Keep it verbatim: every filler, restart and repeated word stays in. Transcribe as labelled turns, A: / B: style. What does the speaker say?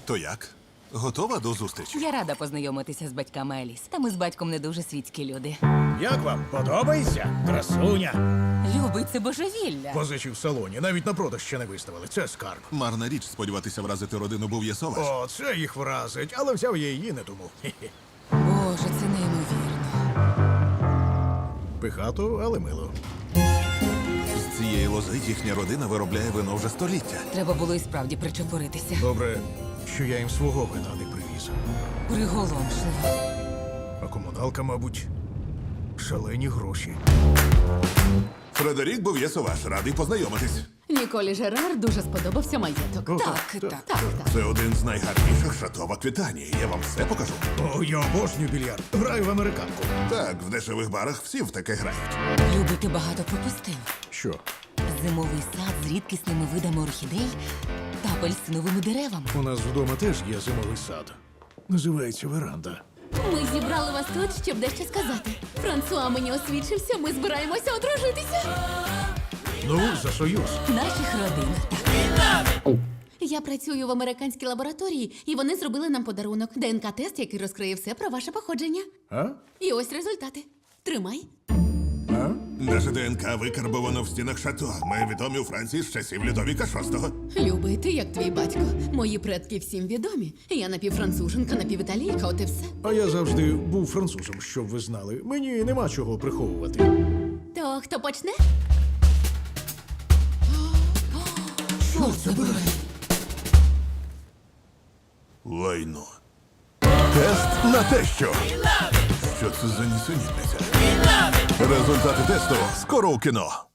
A: То як? Готова до зустрічі?
B: Я рада познайомитися з батьками Еліс. Та ми з батьком не дуже світські люди.
C: Як вам? Подобається? Красуня.
B: Любий, це божевілля.
C: Позичі в салоні, навіть на продаж ще не виставили. Це скарб.
A: Марна річ сподіватися вразити родину Бов'єсоваш.
C: О, це їх вразить, але взяв я її не тому. Хе-хе.
B: Боже, це неймовірно.
C: Пихато, але мило.
A: З цієї лози їхня родина виробляє вино вже століття.
B: Треба було і справді причепуритися.
C: Добре, що я їм свого вина не привіз.
B: Приголомшливо.
C: А комуналка, мабуть, шалені гроші.
A: Фредерік Бов'єсоваш, радий познайомитись.
D: Ніколі Жерар дуже сподобався маєток.
C: О,
B: Так, так.
D: Так, так.
A: Це один з найгарніших шато в Аквітанії. Я вам все покажу.
C: О, я обожнюю більярд. Граю в американку.
A: Так, в дешевих барах всі в таке грають.
B: Любий, ти багато пропустив.
C: Що?
B: Зимовий сад з рідкісними видами орхідей та апельсиновими деревами.
C: У нас вдома теж є зимовий сад. Називається веранда.
D: Ми зібрали вас тут, щоб дещо сказати. Франсуа мені освідчився, ми збираємося одружитися.
C: Ну, за союз.
B: Наших родин. Так.
D: Я працюю в американській лабораторії, і вони зробили нам подарунок. ДНК-тест, який розкриє все про ваше походження.
C: А?
D: І ось результати. Тримай.
C: А?
A: Наше ДНК викарбовано в стінах шато. Ми відомі у Франції з часів Людовіка шостого.
D: Любий, ти як твій батько. Мої предки всім відомі. Я напівфранцуженка, напівіталійка, от і все.
C: А я завжди був французом, щоб ви знали. Мені нема чого приховувати.
D: То хто почне?
C: Що це буде?
A: Лайно. Тест на те, що. Що це за нісенітниця? Результати тесту скоро у кіно.